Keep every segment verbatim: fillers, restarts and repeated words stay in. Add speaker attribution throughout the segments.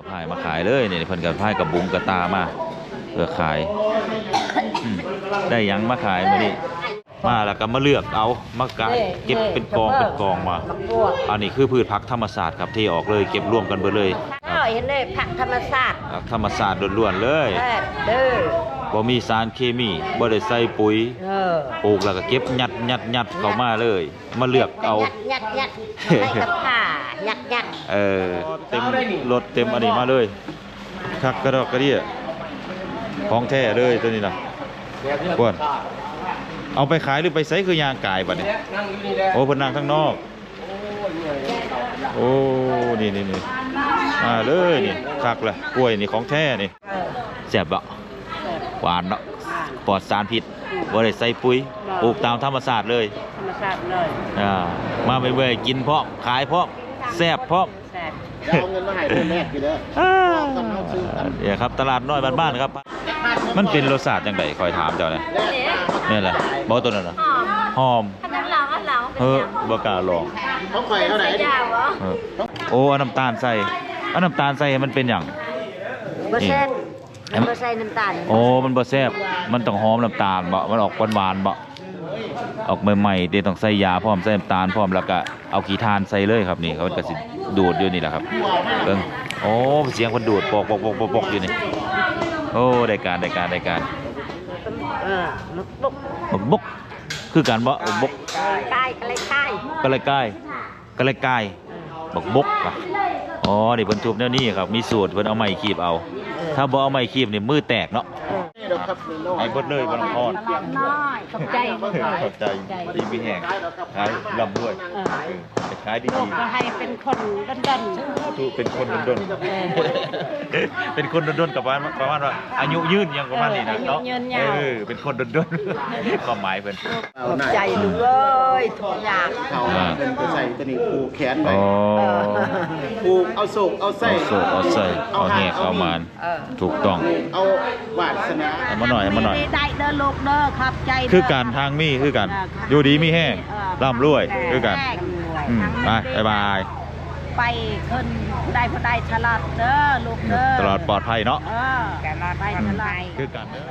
Speaker 1: พายมาขายเลยเนี่ยเพิ่นกับพายกับบุ้งกับตามาเพื่อขายได้ยังมาขายมาดิมาแล้วก็มาเลือกเอามากะเก็บเป็นกองเป็นกองมาอันนี้คือพืชผักธรรมศาสตร์ครับที่ออกเลยเก็บรวมกันไปเลย
Speaker 2: เห็นเลยผักธรรมศาสตร์
Speaker 1: ธรรมศาสตร์ล้วนๆเลย
Speaker 2: เด้อ
Speaker 1: บ่มีสารเคมีบ่ได้ใส่ปุ๋ยปลูกแล้วก็เก็บยัดยัดยัดเข้ามาเลยมาเลือกเอา
Speaker 2: ยัดยัดใส่กับผ้ายัดยัด
Speaker 1: เออเต็มรถเต็มอันนี้มาเลยคักกระดอกกระเดี่ยของแท้เลยตัวนี้นะกวนเอาไปขายหรือไปใส่คือยางกายบัดนี้โอ้เพิ่นนั่งข้างนอกโอ้นี่นี่นี่มาเลยนี่คักเลยกล้วยนี่ของแท้นี่แซ่บบ่หวานเนาะปลอดสารพิษบ่ได้ใส่ปุ๋ยปลูกตามธรรมชาติเลย
Speaker 2: ธรรมชาติเลย
Speaker 1: อ่ามาเบื่อๆกินพร้อมขายพร้อมแซ่บพร้อม
Speaker 3: เอาเงินมาให้คนแรกอยู่เด้อ
Speaker 1: เดี๋ยวครับตลาดน้อยบ้านๆครับมันเป็นรสชาติจังไดคอยถามเจ้าเนี่ยนี่แหละบ่ตัวนั้นน่ะหอม
Speaker 2: อันนั้นเราอันเรา
Speaker 1: เฮ้อบ่กล้าลอง
Speaker 3: เขาข่อยเท่าไหร่
Speaker 1: โอ้เอาน้ำตาลใส่เอาน้ำตาลใส่มันเป็นหยัง
Speaker 2: บ่แซ่บบ่ใส่น้ำตาล
Speaker 1: โอ้มันบ่แซ่บมันต้องหอมน้ำตาลบ่มันออกหวานๆบ่ออกใหม่ๆเดี๋ยวต้องใส่ยาพร้อมใส่น้ำตาลพร้อมแล้วก็เอาขี้ทานใส่เลยครับนี่เขาก็สิดูดอยู่นี่แหละครับเบิ่งโอ้เสียงคนดูดปอกปอกปอกปอกอยู่นี่โอ้ได้การได้การได้การ
Speaker 2: เออมึกบุก
Speaker 1: มึกบุกคือการบ่บุก
Speaker 2: กายกะเลยกาย
Speaker 1: กะเลยกายกะเลยกายบักบุกอ่ะอ๋อนี่เพิ่นทุบแนวนี้ครับมีสูตรเพิ่นเอาไม้คีบเอาถ้าบ่เอาไม้คีบนี่มือแตกเนาะไอ้บดเลยบ่ต้องทอด
Speaker 2: ขอบใจ
Speaker 1: ขอบใจดีมีแห้งขายลำด้วยขายดี
Speaker 2: ๆก็ให้เป็นคนดน
Speaker 1: ๆถูกเป็นคนดนๆเป็นคนดนๆกับประมาณว่าอายุยืนยังประมาณนี้นะเนาะเออเป็นคนดนๆความหมายเพิ่น
Speaker 2: ขอบใจลูกเอ้ยทุกอย่าง
Speaker 3: เขาเป็นไปใส่ตัวนี้ผูกแขนไว้ผูกเอาโศกเอาไส้
Speaker 1: เอาโศกเอาไส้เอาแหกเอามานถูกต้อง
Speaker 3: เอาวาสนา
Speaker 1: เอามาหน่อยเอามาหน่อย
Speaker 2: ได้เด้อลูกเด้อครับใจ
Speaker 1: คือการทางมีคือกันอยู่ดีมีแห้งร่ำรวยคือกันไปบาย
Speaker 2: ไปขึ้นได้พอได้ฉลาดเด้อลูกเด้อ
Speaker 1: ตลอดปลอดภัยเนาะ
Speaker 2: เออตลอดไปฉลาด
Speaker 1: คือกันเด้อ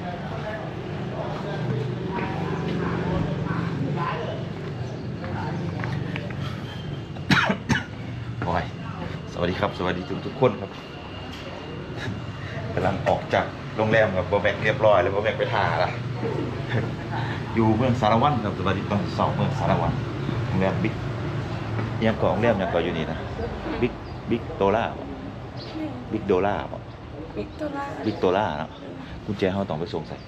Speaker 1: โอ้ยสวัสดีครับสวัสดีทุกทุกคนครับกำลังออกจากโรงแรมกับโบแบกเรียบร้อยแล้วโบแบกไปท่าละอยู่เมืองสารวัตรครับสวัสดีตอนสองเมืองสารวัตรโรงแรมบิ๊กยังเกาะโรงแรมยังเกาะอยู่นี่นะบิ๊กบิ๊กโตล่าบิ๊กโดล่าบิ๊กโตล่าบิ๊กโตล่าเนาะกุญแจเขาต้องไปส่งใส่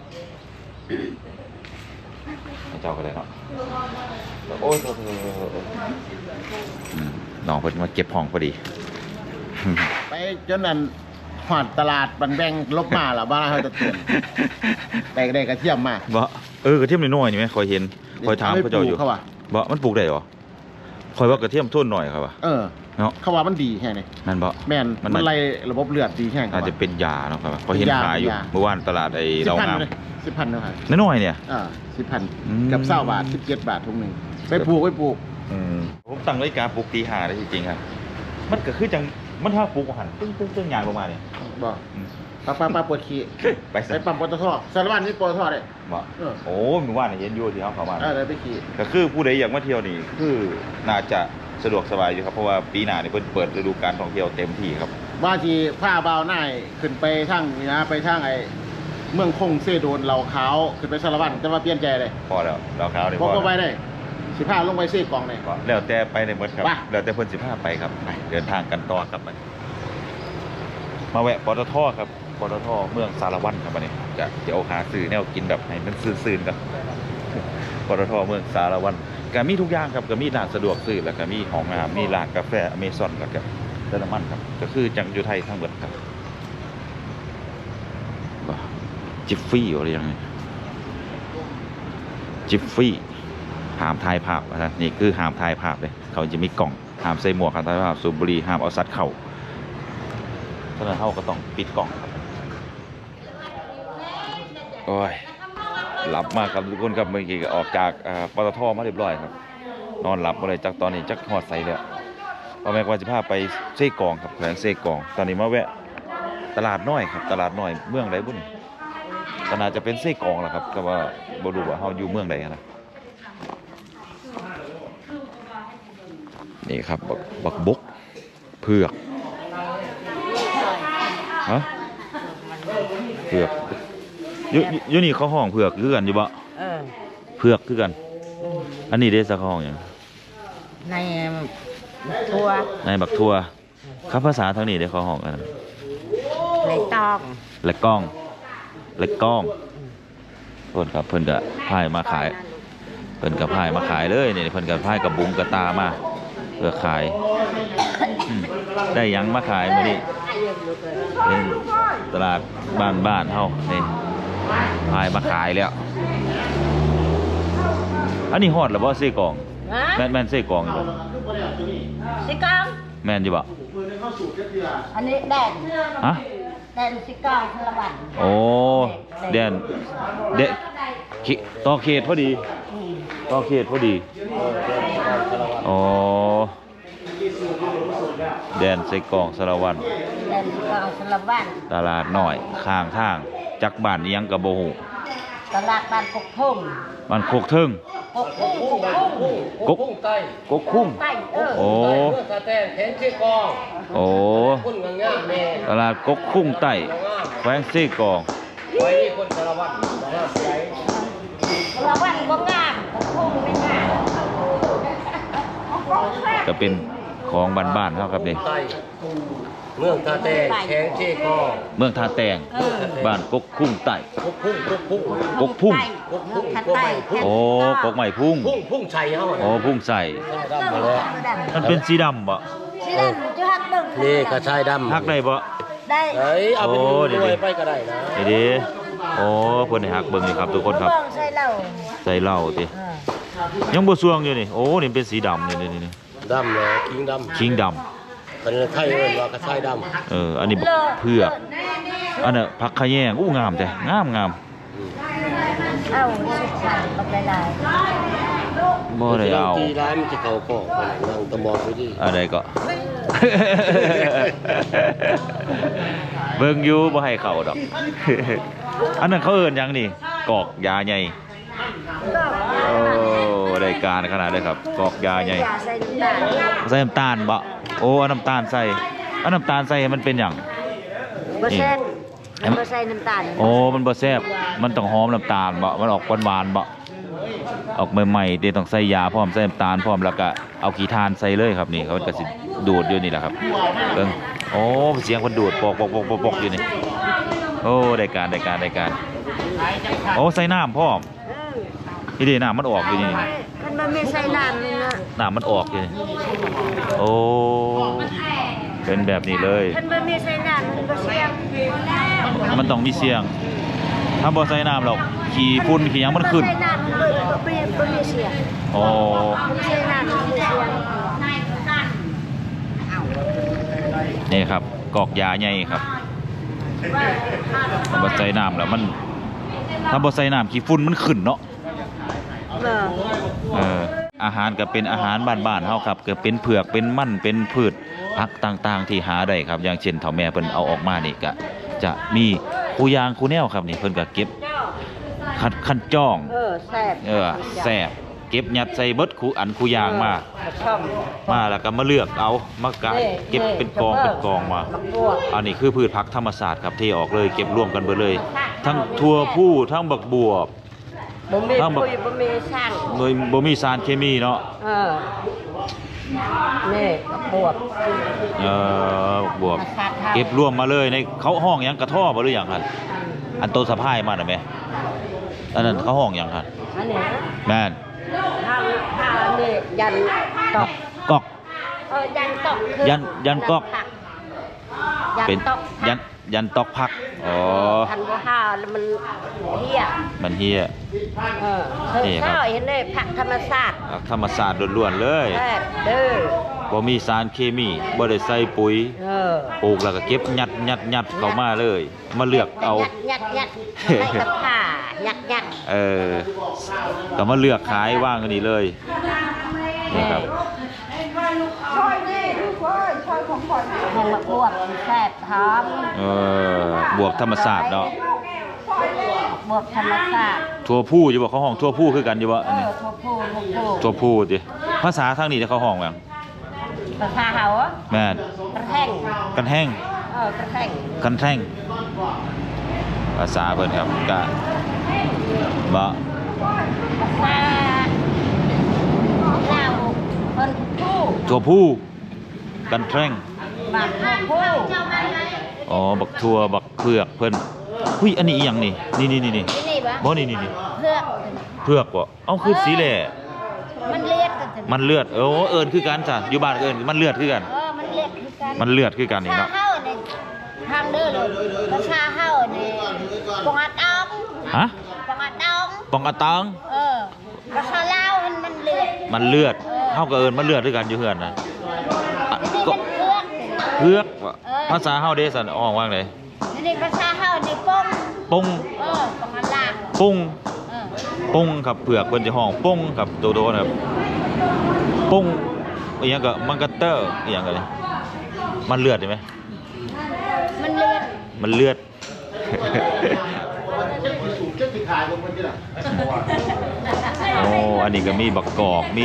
Speaker 1: เจ้าก็เลยเนาะโอ้ยน้องเพิ่งมาเก็บห้องพอดี
Speaker 3: ไปจนนั้นหอดตลาดบันแบงลบมาหรอบ้านเขาจะตื่นไปได้กระเทียมมา
Speaker 1: บ่เออกระเทียมน้อยๆนี่ไหมคอยเห็นคอยถามเขาเจ้าอยู่บ่มันปลูกได้หรอคอยว่ากระเทียมทุ่นหน่อยครับว่า
Speaker 3: เออเนาะเขาว่ามันดีแค่ไหน
Speaker 1: นั่นบ่
Speaker 3: แม่นมันไล่ระบบเลือดดีแค่ไหน
Speaker 1: อาจจะเป็นยาเนาะครับคอยเห็นขายอยู่เมื่อวานตลาดไอ้เรางาม
Speaker 3: สิบพันเนาะครับ
Speaker 1: น้อยๆเนี่ย
Speaker 3: อ่าสิบพันกับเศร้าบาทสิบเจ็ดบาททุกหนึ่งไปปลูกไปปลูก
Speaker 1: อืมผมตั้งนาฬิกาปลูกตีห้าได้จริงๆครับมันก็คือจังมันถ้าปลูกหันตึ้งตึ้งตึ้งยางลงมาเนี่ย
Speaker 3: บ่ปลาปลาปลาปวดขี้ไปใส่ปั๊มปตทสารวัตรนี่ปตทเลย
Speaker 1: บ่โอ้เมื่อวานเห็นอยู่ที่เขาเข้ามา
Speaker 3: เออไปขี้
Speaker 1: ก็คือผู้ใดอยากมาเที่ยวนี่คือน่าจะสะดวกสบายอยู่ครับเพราะว่าปีหน้านี่เพิ่นเปิดฤดูกาลท่องเที่ยวเต็มที่ครับ
Speaker 3: ว่าที่ผ้าเบาหน้าขึ้นไปทางนี่นะไปทางไอ้เมืองคงเซโดนเหล่าขาวขึ้นไปสารวัตรจะมาเปลี่ยนใจเลย
Speaker 1: พอแล้วเหล่าขาวเลย
Speaker 3: พอก็ไปได้สิบห้าลงไปเซกองเลย
Speaker 1: แล้วแต่ไปในหมดครับแล้วแต่เพิ่นสิบห้าไปครับไปเดินทางกันต่อครับมาแวะปตทครับปตทเมืองสารวัตรครับวันนี้จะเดี๋ยวหาซื้อแนวกินแบบให้มันซื่นๆกันปตทเมืองสารวัตรก็มีทุกอย่างครับก็มีร้านสะดวกซื้อแล้วก็มีของงามมีร้านกาแฟอเมซอนแล้วก็เดนมันครับก็คือจังอยู่ไทยทั้งหมดครับจิฟฟี่อะไรอย่างนี้จิฟฟี่ห้ามถ่ายภาพนะนี่คือห้ามถ่ายภาพเลยเขาจะมีกล่องห้ามใส่หมวกห้ามถ่ายภาพสูบบุหรี่ห้ามเอาสัตว์เข่าฉะนั้นเขาก็ต้องปิดกล่องครับโอ้ยหลับมากครับทุกคนครับเมื่อกี้ออกจากปตทมาเรียบร้อยครับนอนหลับมาเลยจากตอนนี้จักหอดใส่เลยป้าแม็กว่าจะพาไปเซ่กองครับแขวงเซ่กองตอนนี้มาแวะตลาดน้อยครับตลาดน้อยเมืองใดบุ่นก็น่าจะเป็นเซ่กองแหละครับก็ว่าบ่รู้ว่าเฮาอยู่เมืองใดนะนี่ครับบักบักบกเผือกฮะเผือกอยู่อยู่นี่เขาห้องเผือกคือกันอยู่บ่
Speaker 2: เออ
Speaker 1: เผือกคือกัน อันนี้เด้สักห้องหยัง
Speaker 2: ในทัว
Speaker 1: ในบักทั่วครับภาษาทางนี้ได้เขาห้องกัน
Speaker 2: ในตอง
Speaker 1: และก้องและก้องเพิ่นกับเพิ่นก็พายมาขายเพิ่นกับพายมาขายเลยนี่เพิ่นกับพายกับบุงกับตามาเพื่อขายอืมได้หยังมาขายมื้อนี้เป็นตลาดบ้านบ้านเฮานี่พายมาขายแล้วอันนี้ฮอดแล้วบ่เซ่กองแม่นแม่นเซ่กองอยู่บ่
Speaker 2: สิกอง
Speaker 1: แม่นอยู่บ่
Speaker 2: อันนี้แดน
Speaker 1: ฮะ
Speaker 2: แดนสิกองพลวัน
Speaker 1: โอ้แดนเดะขิต่อเขตพอดีต่อเขตพอดีโอ้แดนใส่กล่องสารวัน
Speaker 2: แดนสิกองพลวัน
Speaker 1: ตลาดน้อยข้างทางจักบ้านอิหยังกะบ่ฮู้
Speaker 2: ตลาดบ้านกกทุ่ง
Speaker 1: บ้านโคกเทิง
Speaker 2: กกทุ่งกกทุ่ง
Speaker 1: กก
Speaker 4: ใต้
Speaker 1: กกคุ้ง
Speaker 2: ใต้เออ
Speaker 1: โอ้
Speaker 4: เมื่อสะแตนแข็งชื่อกอง
Speaker 1: โอ้
Speaker 4: คุณงามแม่
Speaker 1: ตลาดกกคุ้งใต้แขวงซี่กอง
Speaker 4: ไว้นี่คนสารวัตรสารวัตรใหญ่
Speaker 2: พลวันบ่งามกกทุ่งไม่งาม
Speaker 1: ก็เป็นของบ้านๆเฮาครับนี่
Speaker 4: ใต้เมืองสะแตนแข็งชื่อกอง
Speaker 1: เมืองท่าแตงบ้านกกคุ้งใต้
Speaker 4: กุ๊กพุ่งกุ๊กพุ่ง
Speaker 1: กกพุ่ง
Speaker 4: กุ๊กพุ่งกุ๊กใหม่พุ่ง
Speaker 1: โอ้กกใหม่พุ่ง
Speaker 4: พุ่งพุ่งชัยเฮา
Speaker 1: โอ้พุ่งใส่
Speaker 4: ดำมาแล้ว
Speaker 1: มันเป็นสีดำบ่
Speaker 2: สิดันจะหักเบิ่ง
Speaker 4: นี่กระชายดำ
Speaker 1: ฮักได้บ่
Speaker 2: ได้
Speaker 4: เฮ้ยเอาไป
Speaker 1: โอ้
Speaker 4: ดู
Speaker 1: เดี๋ยว
Speaker 4: ด้วยไปก็ได้นะ
Speaker 1: นี่ดิโอ้เพิ่นให้ฮักเบิ่งนี่ครับทุกคนครับ
Speaker 2: เบิ่งใส่เหล้า
Speaker 1: ใส่เหล้าติ
Speaker 2: เออ
Speaker 1: ยังบ่สวงอยู่นี่โอ้นี่เป็นสีดำนี่นี่นี่
Speaker 4: ดำเลยคิงดำ
Speaker 1: คิงดำ
Speaker 4: เป็นไทยเอิ้นว่ากระชายดำ
Speaker 1: เอออันนี้บักเผือกอันน่ะผักขะแยงอู้งามแต่งามงาม
Speaker 2: เอ้าสุดสันบักหลาย
Speaker 1: บ่ได้เอา
Speaker 4: ตีร้ายมันจะเข้ากองไปนั่งตะมองไปดิ
Speaker 1: อะไรก็ เบิ่งอยู่บ่ให้เข้าดอก อันนั้นเขาเอิ้นหยังนี่กอกยาใหญ่
Speaker 2: ๆก็
Speaker 1: โอ้ได้การขนาดเลยครับกอกยาใหญ่
Speaker 2: อย่าใส่น้ำตาล
Speaker 1: ใส่น้ำตาลบ่โอ้เอาน้ำตาลใส่เอาน้ำตาลใส่ให้มันเป็นหยัง
Speaker 2: บ่แซ่บ
Speaker 1: นี่
Speaker 2: บ่ใส่น้ำตาล
Speaker 1: โอ้มันบ่แซ่บมันต้องหอมน้ำตาลบ่มันออกหวานๆบ่ออกใหม่ๆเดี๋ยวต้องใส่ยาพร้อมใส่น้ำตาลพร้อมแล้วก็เอาขี้ทานใส่เลยครับนี่เขาก็สิดูดอยู่นี่แหละครับเบิ่งโอ้เสียงคนดูดปอกๆๆๆๆอยู่นี่โอ้ได้การได้การได้การโอ้ใส่น้ำพร้อม
Speaker 2: เออ
Speaker 1: นี่ดิน้ำมันออกอยู่นี่
Speaker 2: มันบ่มีใส่น้ำนี่นะ
Speaker 1: น้ำมันออกอยู่นี่โอ้เป็นแบบนี้เลย
Speaker 2: มันบ่มีใส่น้ำมันบ่เสียง
Speaker 1: มันต้องมีเสียง ถ้าบ่ใส่น้ำหรอกขี้ฝุ่นขี้หยังมันขึ้น
Speaker 2: ใส่น้ำมันบ่บ่บ่มีเสียง
Speaker 1: อ๋อ
Speaker 2: มันใส่น้ำมันมีเสียง
Speaker 1: นี่ครับกอกยาใหญ่ครับถ้าบ่ใส่น้ำแล้วมัน ถ้าบ่ใส่น้ำขี้ฝุ่นมันขึ้นเนาะ
Speaker 2: เออ
Speaker 1: เอออาหารก็เป็นอาหารบ้านๆเฮาครับก็เป็นเผือกเป็นมันเป็นพืชผักต่างๆที่หาได้ครับอย่างเช่นเฒ่าแม่เพิ่นเอาออกมานี่ก็จะมีคูยางคูแนวครับนี่เพิ่นก็เก็บคัดคันจ้อง
Speaker 2: เออแซ่บ
Speaker 1: เออแซ่บเก็บยัดใส่เบิดคูอันคูยางมา
Speaker 2: ช่อง
Speaker 1: มาแล้วก็มาเลือกเอามากะเก็บเป็นกองเป็นกองมา
Speaker 2: มะกรูด
Speaker 1: อันนี้คือพืชผักธรรมศาสตร์ครับที่ออกเลยเก็บรวมกันเบิดเลย ทั้งทั่วผู้ทั้งบักบวบ
Speaker 2: บ่มี
Speaker 1: ถ้าบอก
Speaker 2: ปุ๋ยบ่มีช่าง
Speaker 1: โดยบ่มีสารเคมีเนาะ
Speaker 2: เออนี่บวบ
Speaker 1: เออบักบวบเก็บรวมมาเลยในเขาห้องหยังกระท่อบ่หรือหยังครับอันโตสะพายมาน่ะแม่อันนั้นเขาห้องหยังครับ
Speaker 2: อันนี้
Speaker 1: แม่น
Speaker 2: ถ้าถ้าอันนี้ยันตอก
Speaker 1: กอก
Speaker 2: เออยันตอกคือ
Speaker 1: ยันยันกอก
Speaker 2: ยัน
Speaker 1: เป็น
Speaker 2: ตอก
Speaker 1: ยันยันตอกผักอ๋อ
Speaker 2: ทันบ่ห้าแล้วมันเหี้ย
Speaker 1: มันเฮีย
Speaker 2: เออ
Speaker 1: นี่ครับ
Speaker 2: เช้าเห็นเลยผักธรรมชาติ
Speaker 1: ผักธรรมศาสตร์ล้วนๆเลย
Speaker 2: แซ่บเด้อ
Speaker 1: บ่มีสารเคมีบ่ได้ใส่ปุ๋ย
Speaker 2: เออ
Speaker 1: ปลูกแล้วก็เก็บยัดยัดยัดเข้ามาเลย มาเลือกเอา
Speaker 2: ยัดยัดยัดใส่กับผ้ายัดยัด
Speaker 1: เออก็มาเลือกขายว่างกันนี่เลยนี่ครับ
Speaker 2: แห้งมะบวบแซ่บหอม
Speaker 1: เออบวบธรรมศาสตร์เนาะ
Speaker 2: บวบธรรมศาสตร์
Speaker 1: ทั่วผู้อยู่บ่เขาห้องทั่วผู้คือกันอยู่บ่
Speaker 2: เอ
Speaker 1: อันนี้
Speaker 2: อทั่วผู้ทั่วผู้
Speaker 1: ทั่วผู้ติภาษาทางนี้เขาห้องหยัง
Speaker 2: ภาษาเฮาอะ
Speaker 1: แม่น
Speaker 2: กระแห้ง
Speaker 1: กันแห้ง
Speaker 2: เออกระแห้ง
Speaker 1: กันแท่งภาษาเพิ่นครับกะบ่
Speaker 2: ภาษาลาวเพิ่นผู้
Speaker 1: ทั่วผู้กันแท่ง
Speaker 2: บางทั่วผู้
Speaker 1: อ๋อบักทั่วบักเผือกเพิ่นหุ้ยอันนี้อีหยังนี่นี่นี่นี่นี่
Speaker 2: ที่นี่ปะ
Speaker 1: บ่นี่นี่นี่
Speaker 2: เพื่อก
Speaker 1: เผือกบ่เอ้าคือสีแหล่
Speaker 2: มันเลียดกันจัง
Speaker 1: มันเลือดเออเอิ้นคือกันจ้ะอยู่บ้านเอิ้นมันเลือดคือกัน
Speaker 2: เออมันเลียดคือกัน
Speaker 1: มันเลือดคือกันนี่
Speaker 2: ชา
Speaker 1: เนาะ
Speaker 2: เฮาในทางเด้อเลยภาษาเฮาในปองอาตอง
Speaker 1: ฮะ
Speaker 2: ปองอาตอง
Speaker 1: ปองอะตัง
Speaker 2: เออภาษาลาวมันมันเลือด
Speaker 1: มันเลือดเฮาก็เอิ้นมันเลือดคือกันอยู่เฮือนน่ะอะ
Speaker 2: นี่
Speaker 1: ก็
Speaker 2: เป็นเพื่อก
Speaker 1: เผือกว่ะภาษาเฮาเด้ซั่นอ้อว่าจังได๋
Speaker 2: นี่ภาษาเฮาในป้อง
Speaker 1: ปง
Speaker 2: เออปองอาลาง
Speaker 1: ปง
Speaker 2: เออ
Speaker 1: ปงครับเผือกเพิ่นจะห้องปงครับโตๆนะครับปงอีหยังก็มันก็เตอร์อีหยังก็เลยมันเลือดใช่ไหม
Speaker 2: มันเลือด
Speaker 1: มันเลือด โอ้อันนี้ก็มีบักกอกมี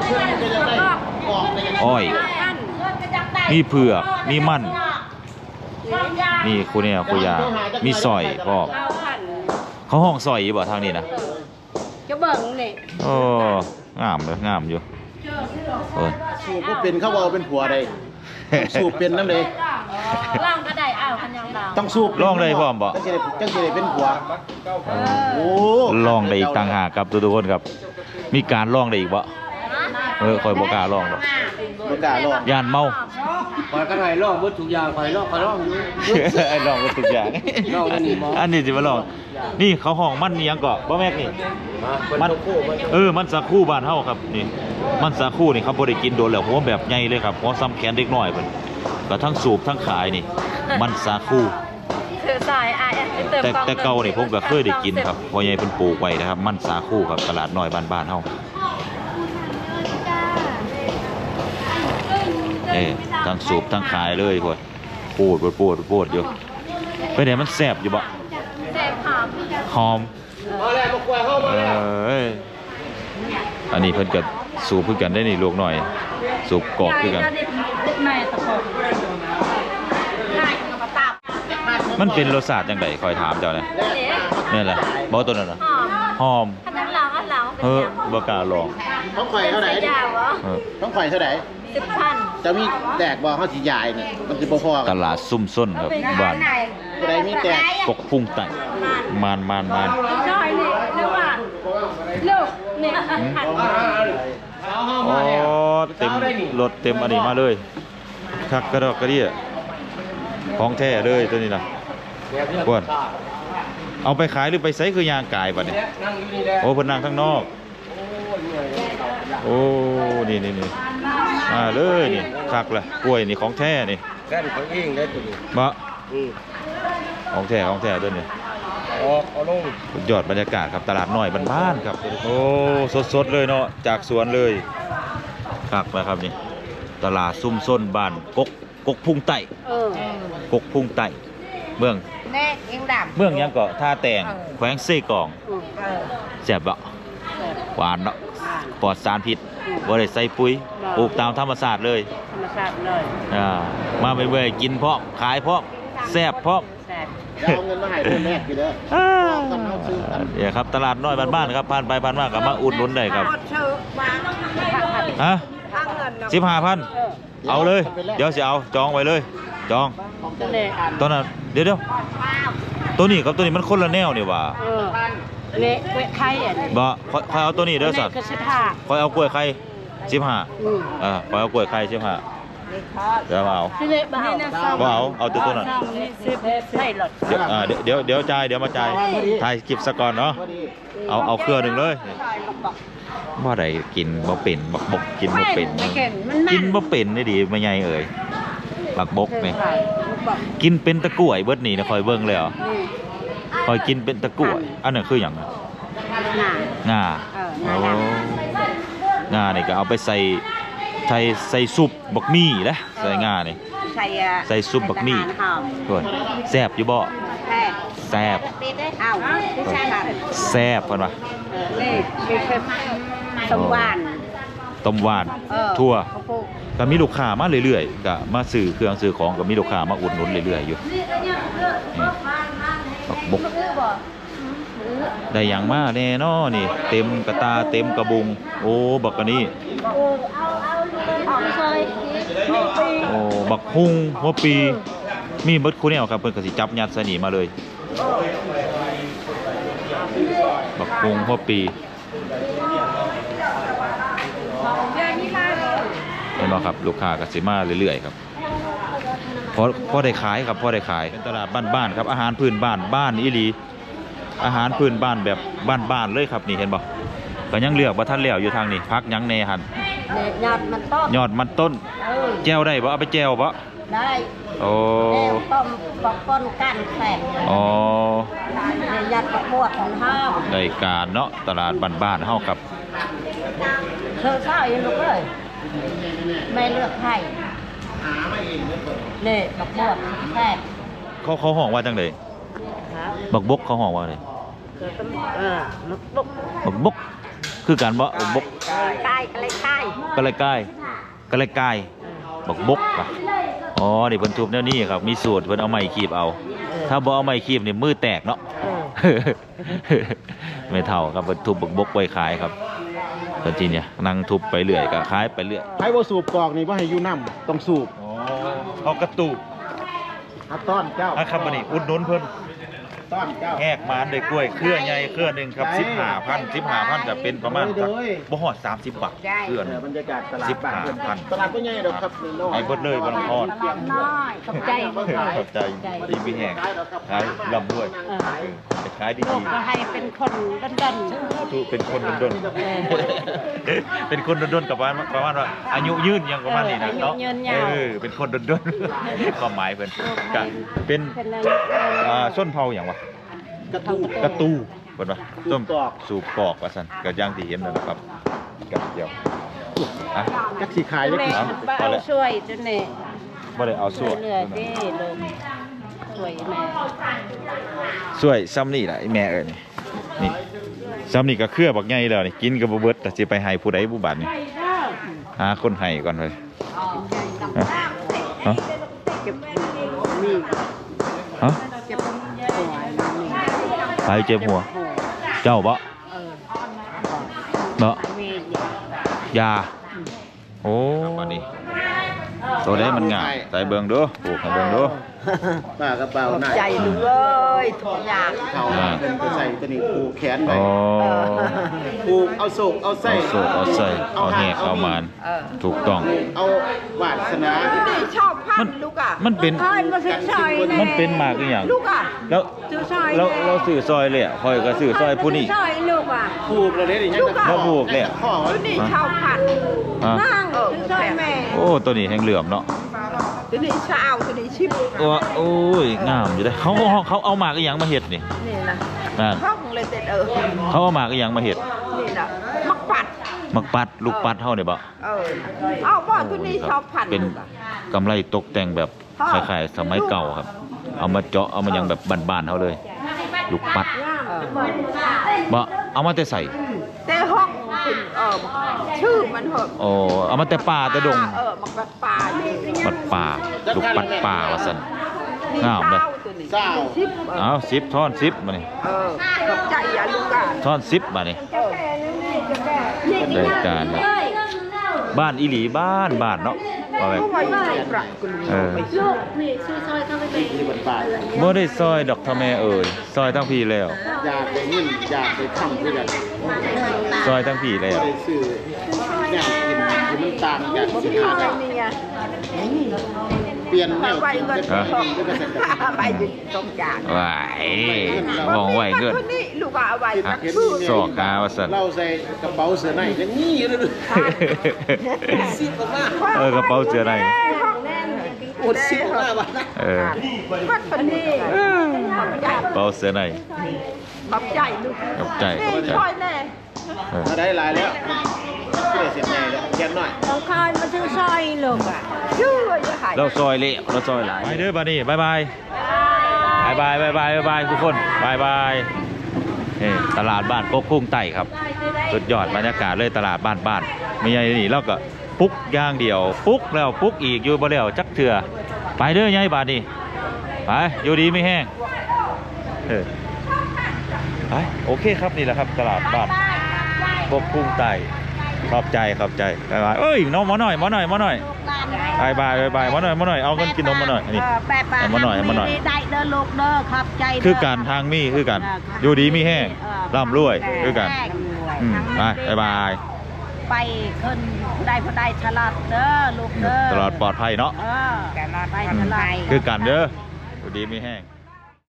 Speaker 1: อ้อยมีเผือกมีมันมีคูเนี่ยคูยามีซอยพร้อมเขาห้องซอยอยู่บ่ทางนี้นะ
Speaker 2: จะเบิ่งนี่
Speaker 1: โอ้งามเลยงามอยู่เออ
Speaker 3: สูบก็เป็นเขาเอาเป็นผัวได้สูบเป็นน้ำเลย
Speaker 2: ล่างก็ได้อ้าวคันยังดาว
Speaker 3: ต้องสูบ
Speaker 1: ลองเลยพร้อมบ่
Speaker 3: จังสิได้จังสิได้เป็นผัวโอ้
Speaker 1: ลองได้อีกต่างหากครับทุกๆคนครับ มีการลองได้อีกบ่เออคอยบอกล้าลองหรอก
Speaker 3: บ่กล้าลอง
Speaker 1: ย่านเมา
Speaker 4: คอยกันไหนลองหมดทุกอย่างคอยลองคอยลองอยู่
Speaker 1: ไอ้ลองก็ทุกอย่าง
Speaker 4: ลองอันนี้บ่
Speaker 1: อันนี้สิมาลอง นี่เขาห้องมันอิหยังเกาะบ่แม่กนี่
Speaker 4: มัน
Speaker 1: เออ มันสาคูบ้านเฮาครับนี่ มันสาคูนี่เขาบ่ได้กินโดนแล้วหัวแบบใหญ่เลยครับหัวซ้ำแขนเด็กน้อยเพิ่นก็ทั้งสูบทั้งขายนี่ มันสาคู
Speaker 2: คือสายไอ้เติม
Speaker 1: แต่แต่เก่านี่ผมก็เคยได้กินครับพ่อใหญ่เพิ่นปลูกไว้นะครับ มันสาคูครับตลาดน้อยบ้านๆเฮาเอ้ทั้งสูบทั้งขายเลยพวกปวดปวดปวดปวดอยู่ไปไหนมันแซ่บอยู่บ่
Speaker 2: แซ่บหอม
Speaker 1: หอม
Speaker 4: มาแล้วมากล้วยเข้ามาแล้ว
Speaker 1: เอ้ยอันนี้เพิ่นก็สูบคือกันได้นี่ลูกหน่อย สูบกอกคือกัน
Speaker 2: ในตะโพกไก่กับปลาตับ
Speaker 1: มันเป็นรสชาติจังไดคอยถามเจ้านะนี่แหละบ่ตัวนั้นน่ะ
Speaker 2: หอม
Speaker 1: หอม
Speaker 2: ขนาดหลังอันหลังเป็น
Speaker 1: เฮ้อ
Speaker 2: ยัง
Speaker 1: บ่กล้าลอง
Speaker 3: ต้องข่อยเท่าไหร่
Speaker 2: ยาวเหรอ
Speaker 1: เออ
Speaker 3: ต้องข่อยเท่าไหร่
Speaker 2: สิบพัน
Speaker 3: จะมีแตกบ่เฮาสิยายนี่มันสิบ่พอ
Speaker 1: ต
Speaker 3: กัน
Speaker 1: ลาดซุ่มส้นครับบ้าน
Speaker 3: ผู้ใดมีแตก
Speaker 1: กกพุ่งไต่มานมานมาน
Speaker 2: น้อยนี่เร็วอ่ะเร็วนี่หัน
Speaker 1: อ๋อเต็มรถเต็มอันนี้มาเลยคักกระดอกกระเดี่ยของแท้เลยตัวนี้นะกวนเอาไปขายหรือไปใส่คือยางกายบัดนี้
Speaker 4: นั่งอยู่นี่แหละ
Speaker 1: โอ้เพิ่นนั่งข้างนอก โอ้ นี่นี่นี่มาเลยนี่คักละกล้วยนี่ของแท้นี่
Speaker 4: แค่เขาเองได้ตัวนี้
Speaker 1: บะ
Speaker 4: อืม
Speaker 1: ของแท้ของแท้ตัวนี้
Speaker 4: ออกเอาลง
Speaker 1: สุดยอดบรรยากาศครับตลาดน้อยบ้านๆครับ โอ้สดๆเลยเนาะจากสวนเลยคักนะครับนี่ตลาดซุ่มส้นบ้านกกกกพุ่งไต่
Speaker 2: เออก
Speaker 1: กพุ่งไต่เมือง
Speaker 2: แน่เองดำ
Speaker 1: เมืองหยังก็ท่าแตงแขวงเซกอง
Speaker 2: เออ
Speaker 1: แซ่บบ่หวานเนาะปลอดสารพิษบ่ได้ใส่ปุ๋ยปลูกตามธรรมชาติเลย
Speaker 2: ธรรมชาติเลย
Speaker 1: อ่ามาเมื่อยๆกินพร้อมขายพร้อมแซ่บพร้อม
Speaker 2: แซ่บ
Speaker 3: เดี๋ยวเอาเงินมาให้เพิ่นแลกอยู่เด้อ
Speaker 1: อ่า
Speaker 3: กันเอาซื้อกัน
Speaker 1: เนี่ยครับตลาดน้อยบ้านๆครับผ่านไปผ่านมาก็มาอุดหนุนได้ครับ
Speaker 2: ชื่อมาผัด
Speaker 1: ฮะ
Speaker 2: ข้างเงินเนาะ
Speaker 1: สิบห้าพันเอาเลย เดี๋ยวสิเอาจองไว้เลย จอง
Speaker 2: ตัวนี้
Speaker 1: ตอนนั้นเดี๋ยวเดี๋ยวตัวนี้กับตัวนี้มันคนละแนวนี่หว่า
Speaker 2: เออเละเวะไข่อ่ะนี่
Speaker 1: บ่ค่อยค่อยเอาตัวนี้เด้อสัตว์
Speaker 2: คือสิบห้า
Speaker 1: ค่อยเอากล้วยไข่สิบห้า
Speaker 2: อืม
Speaker 1: อ่าค่อยเอากล้วยไข่สิบห้าเดี๋ยวมาเอา
Speaker 2: ที่เละบ้า
Speaker 1: บ่เอาเอาตัวตัวนั้น
Speaker 2: นี่สิบใส่หลอด
Speaker 1: เดี๋ยวอ่าเดี๋ยวเดี๋ยวเดี๋ยวจ่ายเดี๋ยวมาจ่ายถ่ายคลิปซะก่อนเนาะ
Speaker 3: พอดี
Speaker 1: เอาเอาเครือหนึ่งเลยว่าได้กินบ่เป็นบักบกกินบ่เป็น
Speaker 2: ไม่เก่งมัน
Speaker 1: กินบ่เป็นได้ดีไม่ใหญ่เอ่ยบักบกนี่กินเป็นตะกล้วยเบิดนี่นะคอยเบิ่งเลยเหรอคอยกินเป็นตะกล้วยอันนั้นคือหยังน่ะ
Speaker 2: หนา
Speaker 1: งา
Speaker 2: เออ
Speaker 1: โอ้
Speaker 2: งาด
Speaker 1: งานี่ก็เอาไปใส่ไทยใส่ซุปบักมี่แหละใส่งานี่
Speaker 2: ใส่อ่ะ
Speaker 1: ใส่ซุปบักมี่
Speaker 2: ทหาร
Speaker 1: เพิ่นแซ่บอยู่บ่
Speaker 2: แค่
Speaker 1: แซ่บ
Speaker 2: เอ้าผู้ชายค่ะ
Speaker 1: แซ่บเพิ่นว่า
Speaker 2: นี่มีเค็มสมหวาน
Speaker 1: ต้มหวาน
Speaker 2: เออ
Speaker 1: ทั่ว
Speaker 2: ข้าวโพด
Speaker 1: ก็มีลูกค้ามาเรื่อยๆก็มาซื้อเครื่องซื้อของก็มีลูกค้ามาอุดหนุนเรื่อยๆอยู่นี่บักบกได้หยังมาแน่นอนี่ เต็มกระตาเต็มกระบุง โอ้บักอันนี้
Speaker 2: เอาซอย
Speaker 1: โอ้บักฮุงหัวปี มีเบิดคู่แนวครับเพิ่นก็สิจับยัดใส่นี่มาเลย บักฮุงหัวปีเห็นบ่ครับลูกค้าก็สิมาเรื่อยๆครับพอพอได้ขายครับพอได้ขายเป็นตลาดบ้านๆครับอาหารพื้นบ้านบ้านอีหลีอาหารพื้นบ้านแบบบ้านๆเลยครับนี่เห็นบ่ก็ยังเลือกบ่ทันแล้วอยู่ทางนี้พักหยังแน่หั่น
Speaker 2: เนี่ยยอดมันต้ม
Speaker 1: ยอดมันต้น
Speaker 2: เออ
Speaker 1: แจ่วได้บ่เอาไปแจ่วบ่
Speaker 2: ได้
Speaker 1: โอ้
Speaker 2: แล้วต้มปอกก้นกันแสบ
Speaker 1: อ๋อ
Speaker 2: เนี่ยยัดประกวดของห้าม
Speaker 1: ได้การเนาะตลาดบ้านๆเฮาครับ
Speaker 2: เธอข้าวยังลูกเอ้ยไม่เลือกให้
Speaker 3: หามาเองเนี่ยเปิด
Speaker 2: เนี่ยประกวดแสบ
Speaker 1: เขาเขาห้องว่าจังได๋
Speaker 2: ฮะ
Speaker 1: บักบกเขาห้องว่าได
Speaker 2: เออลูกบุก
Speaker 1: บักบกคือกันบ่บักบก
Speaker 2: ใกล้ก็เลยใกล้
Speaker 1: ก็เลยกายก็เลยกายบักบกอ่ะอ๋อนี่เพิ่นทุบแนวนี้ครับมีสูตรเพิ่นเอาไม้คีบเอา ถ้าบ่เอาไม้คีบนี่มือแตกเนาะ
Speaker 2: เออ
Speaker 1: ไม่เท่าครับเพิ่นทุบบักบกไว้ขายครับตอนที่เนี่ยนั่งทุบไปเรื่อยก็ขายไปเรื่อย
Speaker 3: ไผบ่สูบกอกนี่บ่ให้อยู่น้ำต้องสูบ
Speaker 1: อ๋อเขากระตูบ
Speaker 3: เอาต้อนเจ้า
Speaker 1: อ่ะครับบัดนี้อุดหนุนเพิ่น
Speaker 3: ต้อนเจ้า
Speaker 1: แหกมานได้กล้วยเครือใหญ่เครือหนึงครับสิบห้าพัน สิบห้าพันจะเป็นประมาณครับบ่ฮอดสามสิบบาทเครือห
Speaker 3: เอ
Speaker 1: นึ
Speaker 3: อง บรรยากาศตลาด
Speaker 1: สิบ
Speaker 3: บ้าน
Speaker 1: ห้า
Speaker 3: เพิ่น
Speaker 1: พัน
Speaker 3: ตลาดก็ใหญ่ดอกครับน้อย
Speaker 1: ให้เบิดเลยบ่ต้องทอน
Speaker 2: ตลาดน้อยขอบใจ
Speaker 1: ขอบใจดีมีแห้งขายลำด้วย
Speaker 2: เออ
Speaker 1: จะขายดี
Speaker 2: ลูกก็ให้เป็นคนดัน
Speaker 1: ๆถูกเป็นคนดนๆเป็นคนดนๆกับว่าประมาณว่าอายุยืนยังประมาณนี้นะเนาะเออเป็นคนดนๆความหมายเพิ่นก็เป็น
Speaker 2: ๆเป็นอะไร
Speaker 1: อ่าส้นเผาหยังวะ
Speaker 3: กระทู้
Speaker 1: กระตูเพิ่นว่า
Speaker 3: สู
Speaker 1: ต้
Speaker 3: บ
Speaker 1: ม
Speaker 3: กอก
Speaker 1: สูบกอกว่าซั่นก็อย่างที่เห็นนั่นแหละครับกับเดียวอ่ะ
Speaker 3: จักสิขายจัก
Speaker 2: แม่
Speaker 3: สิ
Speaker 2: บ้าเอาช่วยจนเนี่ย
Speaker 1: บ่ได้เอาส่วน
Speaker 2: เหลือๆดิลูกช่วยแม่
Speaker 1: ช่วยซ้ำนี่ล่ะไอ้แม่เอ้ยนี่นี่ซ้ำนี่ก็เครือบักใหญ่แล้วนี่กินก็บ่เบิดแต่สิไปให้ผู้ใดผู้บัดนี่หาคนให้ก่อนเลยฮะฮะ
Speaker 2: เก็บมี
Speaker 1: ฮะ
Speaker 2: เก็บหัวมี
Speaker 1: ใครเจ็บหัว เจ้าบ่
Speaker 2: เออ
Speaker 1: เนาะ
Speaker 2: มีเนี่ย
Speaker 1: ยาโอ้บัดนี้ตัวใดมันง่ายใส่เบิ่งดูปลูกให้เบิ่งดู
Speaker 3: ป้ากระเป๋าหน้า
Speaker 2: ใจลูกเอ้ยทุกอย่าง
Speaker 3: เขาเพิ่นก็ใส่ตัวนี้ผูกแขนไว้
Speaker 1: อ๋อ
Speaker 3: ผูกเอาโศกเอาไส้
Speaker 1: เอาโศกเอาใส่เอาแหกเอามานถูกต้อง
Speaker 3: เอาวาสนา
Speaker 2: ชอบพั
Speaker 1: มัน
Speaker 2: นลูกอ่ะ
Speaker 1: มันเป็น
Speaker 2: เอ้ยมาซื้อซอยแ
Speaker 1: มันเป็นหมากอีหยัง
Speaker 2: ลูกอ่ะ
Speaker 1: แล้ว
Speaker 2: ซื้อซอย
Speaker 1: เราเราซื้อซอยเลยอ่ะคอยก็ซื้อซอยผู้นี้
Speaker 2: ซื้ซอยลูกอ่ะ
Speaker 3: ผูกเลยนี่ยังจะ
Speaker 1: แล้วผูกเนี่ย
Speaker 3: ข้อไว้
Speaker 2: ตัวนี้ชาวพัน
Speaker 1: อ่ะ
Speaker 2: นั่งซื้อซอยแม่
Speaker 1: โอ้ตัวนี้แห้งเหลื่อมเนาะ
Speaker 2: ตัวนี้ชาวตัวนี้ชิบ
Speaker 1: โอ้โอ้ยงามอยู่เด้อเขาเขาเขาเอาหมากอีหยังมาเฮ็ดนี่
Speaker 2: นี่นะ
Speaker 1: นั่น
Speaker 2: ห้องเลยเต็ดเออ
Speaker 1: เขาเอาหมากอีหยังมาเฮ็ด
Speaker 2: นี่นะมักปัด
Speaker 1: หมักปัดลูกปัดเฮาเนี่ยบ่
Speaker 2: เออเอาบ่ตัวนี้ชาวพัน
Speaker 1: เป็นกำไรตกแต่งแบบคล้ายๆสมัยเก่าครับ เอามาเจาะเอามายังแบบบ้านๆเฮาเลย ลูกปัด
Speaker 2: เออ
Speaker 1: บ่เอามาแต่ใส่
Speaker 2: แต่ห้องเป็นเออชื่อมันเหอะ
Speaker 1: โอ้เอามาแต่ป่าแต่ดง
Speaker 2: เออมักปัดป่านี่
Speaker 1: ปัดป่าลูกปัดป่าว่าซั่นงามเลย
Speaker 3: เศร้า
Speaker 2: ชิบเออ
Speaker 1: เอาสิบท่อนสิบมานี่
Speaker 2: เออขอบใจอย่าลูกอ่ะ
Speaker 1: ท่อนสิบมานี่ได้การครับบ้านอีหลีบ้านบ้านเนาะว่าแบบ
Speaker 2: เพราะว่าอยู่ปรักกุล
Speaker 1: เออ
Speaker 2: ไปซื้อ
Speaker 3: ที่มันป่า
Speaker 1: บ่ได้ซอยดอกทะแม่เอ่ยซอยทั้งพี่แล้ว
Speaker 3: อยากไปเงินอยากไปทำด้วยกัน
Speaker 1: ซอยทั้งพี่แล้ว
Speaker 3: ไปซื้ออยากกินที่มันต่างอยากสิขาด
Speaker 2: อะไรเนี่ย
Speaker 3: เปลี่ยนแนว
Speaker 2: ไป
Speaker 3: กิน
Speaker 2: เงิน
Speaker 3: ด้วย
Speaker 2: ท
Speaker 3: กั
Speaker 2: อน ง
Speaker 3: ด้วยกัน
Speaker 2: ไปอยู่ตรงกลาง
Speaker 1: ไหวมองไหวเงิน
Speaker 2: คนนี้ลูกเอาไว้
Speaker 1: ฮะ
Speaker 2: นักสู้
Speaker 1: สอกกาว่าซั่น
Speaker 3: เราใส่กระเป๋าเสื้อในยังมีอยู่เลยสิบมาก
Speaker 1: เออกระเป๋าเสื้อใน
Speaker 2: ห้องแน่นอุดสิบห้าบาท
Speaker 1: เออ
Speaker 2: วัดคนนี้ขอบใจ
Speaker 1: กระเป๋าเสื้อใน
Speaker 2: ขอบใจลูก
Speaker 1: ขอบใจขอบใจ
Speaker 2: ช่วยแน่
Speaker 1: เออ
Speaker 3: มาได้หลายแล้วชื่อเสียงใหญ่เลยเขียนหน่อย
Speaker 2: ต้องคอยมาซื้อซอยลูกอ่ะชื่อจะหาย
Speaker 1: เราซอยเละเราซอยหลายไปเด้อบัดนี้บายบายบายบายบายบายบายบายทุกคนบายบายนี่ตลาดบ้านโคกคุ้งไต่ครับสุดยอดบรรยากาศเลยตลาดบ้านบ้านไม่ใช่นี่เราก็ปุ๊กอย่างเดียวปุ๊กแล้วปุ๊กอีกอยู่บ่แล้วจักเถื่อไปเด้อยายบาดนี้ไปอยู่ดีไม่แห้งเออไปโอเคครับนี่แหละครับตลาดบ้านโคกคุ้งไต่ขอบใจขอบใจบายบายเอ้ยน้องหมอหน่อยหมอหน่อยหมอหน่อยบายบายบายบายหมอหน่อยหมอหน่อยเอาเงินกินนมมาหน่อยนี่
Speaker 2: แปะปะ
Speaker 1: เอามาหน่อยเอามาหน่อย
Speaker 2: ได้เด้อลูกเด้อขอบใจเด้
Speaker 1: คือการทางมีคือกันอยู่ดีมีแห้งร่ำรวยคือกันอืมไปบายบาย
Speaker 2: ไปขึ้นได้พอได้ฉลาดเด้อลูกเด้อ
Speaker 1: ตลอดปลอดภัยเนาะ
Speaker 2: เออไปฉลาด
Speaker 1: คือกันเด้ออยู่ดีมีแห้ง